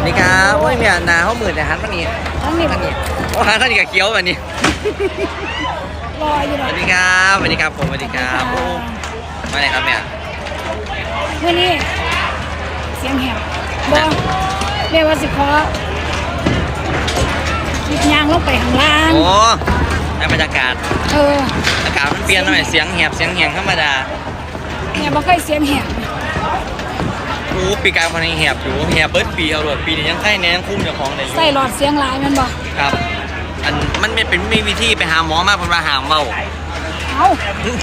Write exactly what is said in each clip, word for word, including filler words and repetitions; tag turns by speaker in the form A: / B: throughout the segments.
A: สวัสดีครับโอ้ยเนี่ยนาเขาหมื่นแต่หันมานี่
B: ทั้งนี้
A: หันนี่โอ้หันท่านนี่กับเคี้ยวแบบนี้
B: รออยู่
A: ส
B: เนาะ
A: วัสดีครับสวัสดีครับผมสวัสดีครับโอ้มาไหนครับเนี่ย
B: เมื่อนี้เสียงแหบบ่เรียกว่าสิขอคิดยางลงไปข้างล่าง
A: โอ้ในบรรยากาศ
B: เออ
A: อากาศมันเปลี่ยนหน่อยเสียงแหบเสียงแหงธรรมดา
B: เนี่ยบ่เคยเสียงแหบ
A: โอ้ปีกายคนนี้แหบอยู่แหบเบิร์ดปีเอาหลดปีนี้ยังไข้แน่ยังคุ้มเจ้าของได้อยู่
B: ใส่หลอดเสียงหลายแมันบ่
A: ครับอันมันไม่เป็นไม่มีวิธีไปหาหมอมากเพราะว่าหามเบา
B: เอ้า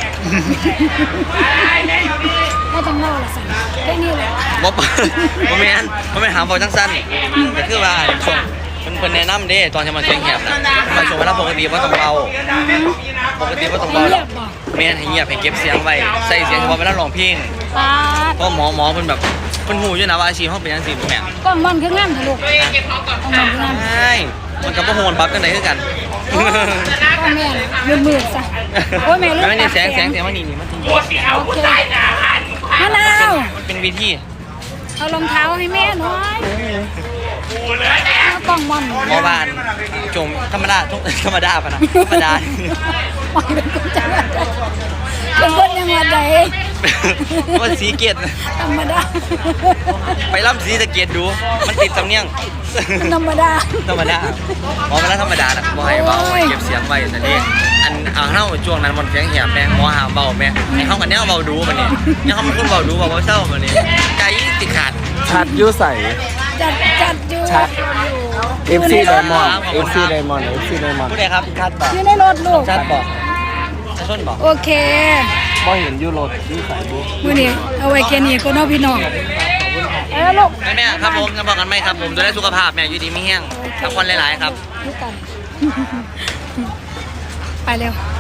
B: ไม่ต้องเล่าละสั่นแค่นี้แหละ
A: บ๊อบบ๊อบแมนบ๊อบแมนหามเบาจังสั้นแต่คือว่าช่วงเป็นคนแนะนำเด้ตอนจะมาเสียงแหบนะมาช่วงเวลาปกติว่าต้องเบาปกติว่าต้องเบา
B: เงียบบ่
A: แมนให้เงียบให้เก็บเสียงไว้ใส่เสียงเฉพาะเวลาร้องเพลง
B: ปาด
A: เพราะหมอหมอเป็นแบบเป็นหูอยู่นะว่าอาชีพเขาเป็นยังสิแม่
B: กล้องมันคืองามเถอะลูกกล้องมันคืองาม
A: ใช่มันกับพวกโหนปั๊บกันไหนคือกัน
B: กล้องแม่มืดๆซะโอ้ยแม่ลูก
A: ไม่นี่แสงแสงแสงว่านี่นี่มันถึง
B: โอเคมะนาว
A: มันเป็นวิธี
B: เอารองเท้าให้แม่หน่อยเอากล้องมัน
A: หมอบานจมธรรมดาทุกธรรมดาปะนะธรรมดา
B: ปล่อยเป็นคนจังหวัดใดเป็นคนจังหวัดใด
A: ว่าสีเกียรติ
B: ธรรมดา
A: ไปล่ำสีสะเกียรติดู มันติดสำเนียง
B: ธรรมดา
A: ธรรมดาหมอเป็นแล้วธรรมดานะบ่ให้เบา
B: โอ้ย
A: เก็บเสียงไว้นั่นเองอันเอาเท่าช่วงนั้นมันเสียงแหบแม่หมอหาเบาแม่ให้เขากันแนวเบาดูมันนี่เนี่ยเขามันคุ้นเบาดูเบาเศร้ามันนี่ใจติดขาด
C: ชัดอยูใส
B: จัดจัดอยู่
C: ชัด เอฟซี
B: ยู่
C: ได
B: ใน
C: ม
B: ร
C: อน
B: ถ
C: ด์ เอฟซี ไดมอนด์ เอฟซี ไดมอนด์
A: ผู้ใดครับ
C: ชัดบอก
B: อยู่ในรถลูก
A: ชัดบอกจะชนบอก
B: โอเค
C: บ่เห็นอยูรถอยูใสบุ
B: มื้อนี้เอาไว้แค่นี้ก็น้องพี่น้องเอ้ลูก
A: แม่แม่ครับผมจะบอกกันไหมครับผมจะได้สุขภาพแม่อยู่ดีไม่แห้งพักผ่อนหลายๆครับ
B: ลูกกันไปเร็ว